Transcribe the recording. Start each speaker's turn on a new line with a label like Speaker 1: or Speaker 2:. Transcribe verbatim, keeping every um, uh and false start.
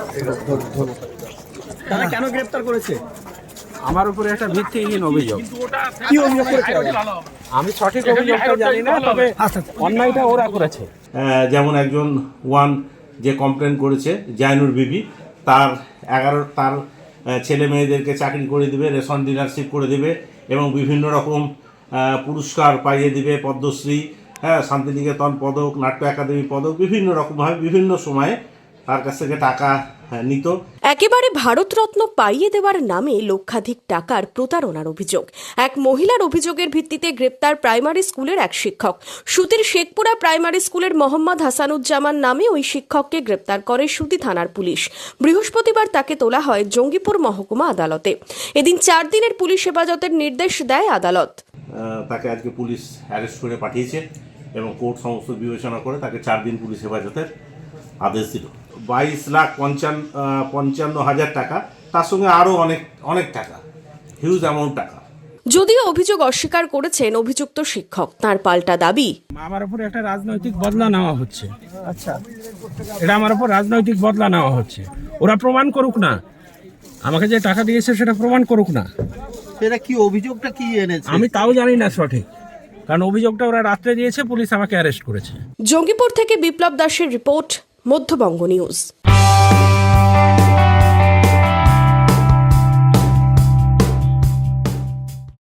Speaker 1: তারা কেন গ্রেফতার করেছে?
Speaker 2: আমার উপরে একটা ভিত্তিহীন অভিযোগ।
Speaker 1: কি অভিযোগ করেছে?
Speaker 2: আমি সঠিক অভিযোগটা জানি না, তবে অন্যায়টা ওরা করেছে।
Speaker 3: যেমন একজন ওয়ান যে কমপ্লেন করেছে জাইনুর বিবি, তার এগারো তার ছেলে মেয়েদেরকে চাকরি করে দিবে, রেশন ডিলারশিপ করে দিবে এবং বিভিন্ন রকম পুরস্কার পাইয়ে দিবে, পদ্মশ্রী, হ্যাঁ, শান্তিনিকেতন পদক, নাট্য একাডেমি পদক, বিভিন্ন রকমভাবে বিভিন্ন সময়ে তার কাছ থেকে টাকা নিত।
Speaker 4: একেবারে ভারতরত্ন পাইয়ে দেওয়ার নামে লক্ষাধিক টাকার প্রতারণার অভিযোগ। এক মহিলার অভিযোগের ভিত্তিতে গ্রেপ্তার প্রাইমারি স্কুলের এক শিক্ষক। সুতির শেখপুরা প্রাইমারি স্কুলের মোহাম্মদ হাসানুজ্জামান নামে ওই শিক্ষককে গ্রেপ্তার করে সুতি থানার পুলিশ। বৃহস্পতিবার তাকে তোলা হয় জঙ্গিপুর মহকুমা আদালতে। এদিন চার দিনের পুলিশ হেফাজতের নির্দেশ দেয় আদালত।
Speaker 3: তাকে আজকে পুলিশ অ্যারেস্ট করে পাঠিয়েছে এবং কোর্ট সমস্ত বিবেচনা করে তাকে চার দিন পুলিশ হেফাজতের আদেশ দিল। বাইশ লাখ পঞ্চান্ন পঞ্চান্ন হাজার টাকা, তার সঙ্গে আরও অনেক অনেক টাকা, হিউজ অ্যামাউন্ট টাকা।
Speaker 4: যদিও অভিযোগ অস্বীকার করেছেন অভিযুক্ত শিক্ষক, তার পাল্টা দাবি,
Speaker 2: আমার উপর একটা রাজনৈতিক বদলা নেওয়া হচ্ছে। আচ্ছা, এটা আমার উপর রাজনৈতিক বদলা নেওয়া হচ্ছে। ওরা প্রমাণ করুক না, আমাকে যে টাকা দিয়েছে সেটা প্রমাণ করুক না।
Speaker 1: এটা কি অভিযোগটা কি এনেছে?
Speaker 2: আমি তাও জানি না সঠিক, কারণ অভিযোগটা ওরা রাত্রে দিয়েছে, পুলিশ আমাকে অ্যারেস্ট করেছে।
Speaker 4: জঙ্গিপুর থেকে বিপ্লব দাসের রিপোর্ট, মধ্যবঙ্গ নিউজ।